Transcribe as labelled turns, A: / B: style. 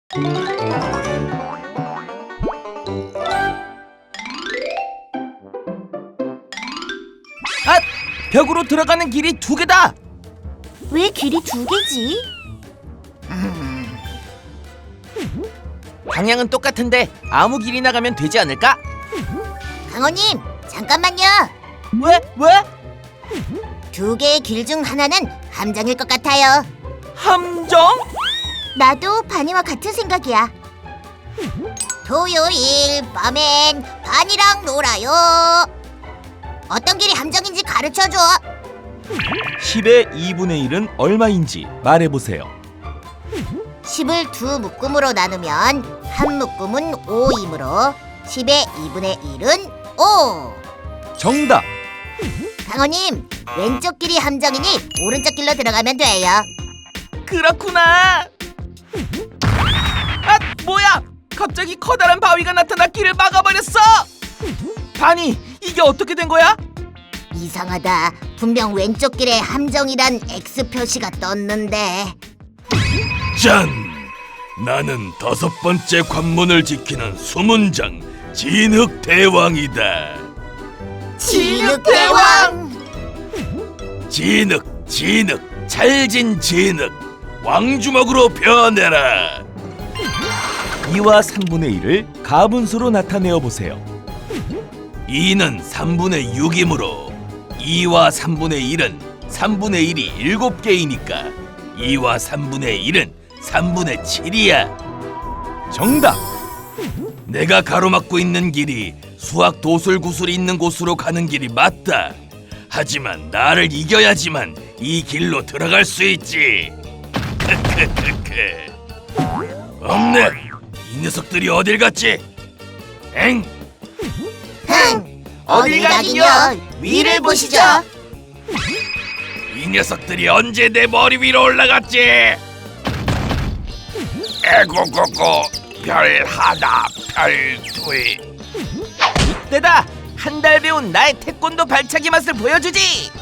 A: 아! 벽으로 들어가는 길이 2개다!
B: 왜 길이 2개지?
A: 방향은 똑같은데 아무 길이나 가면 되지 않을까?
B: 강호님, 잠깐만요.
A: 왜? 왜?
B: 2개의 길 중 하나는 함정일 것 같아요.
A: 함정?
B: 나도 바니와 같은 생각이야. 토요일 밤엔 바니랑 놀아요. 어떤 길이 함정인지 가르쳐줘.
C: 10의 2분의 1은 얼마인지 말해보세요.
B: 10을 2묶음으로 나누면 한 묶음은 5이므로 10의 2분의 1은 5.
C: 정답!
B: 강호님, 왼쪽 길이 함정이니 오른쪽 길로 들어가면 돼요.
A: 그렇구나! 아! 뭐야! 갑자기 커다란 바위가 나타나 길을 막아버렸어! 바니, 이게 어떻게 된 거야?
B: 이상하다. 분명 왼쪽 길에 함정이란 X 표시가 떴는데.
D: 짠! 나는 5번째 관문을 지키는 수문장 진흙대왕이다.
B: 진흙대왕!
D: 진흙, 찰진 진흙, 왕주먹으로 변해라.
C: 2와 3분의 1을 가분수로 나타내어 보세요.
D: 2는 3분의 6이므로 2와 3분의 1은 3분의 1이 7개이니까 2와 3분의 1은 3분의 7이야.
C: 정답!
D: 내가 가로막고 있는 길이 수학 도술구슬이 있는 곳으로 가는 길이 맞다. 하지만 나를 이겨야지만 이 길로 들어갈 수 있지. 크크크크. 없네. 이 녀석들이 어딜 갔지? 엥?
B: 흥! 어딜 가긴요? 위를 보시죠.
D: 이 녀석들이 언제 내 머리 위로 올라갔지? 에고고고 별 하나 별 둘.
A: 이때다! 한 달 배운 나의 태권도 발차기 맛을 보여주지!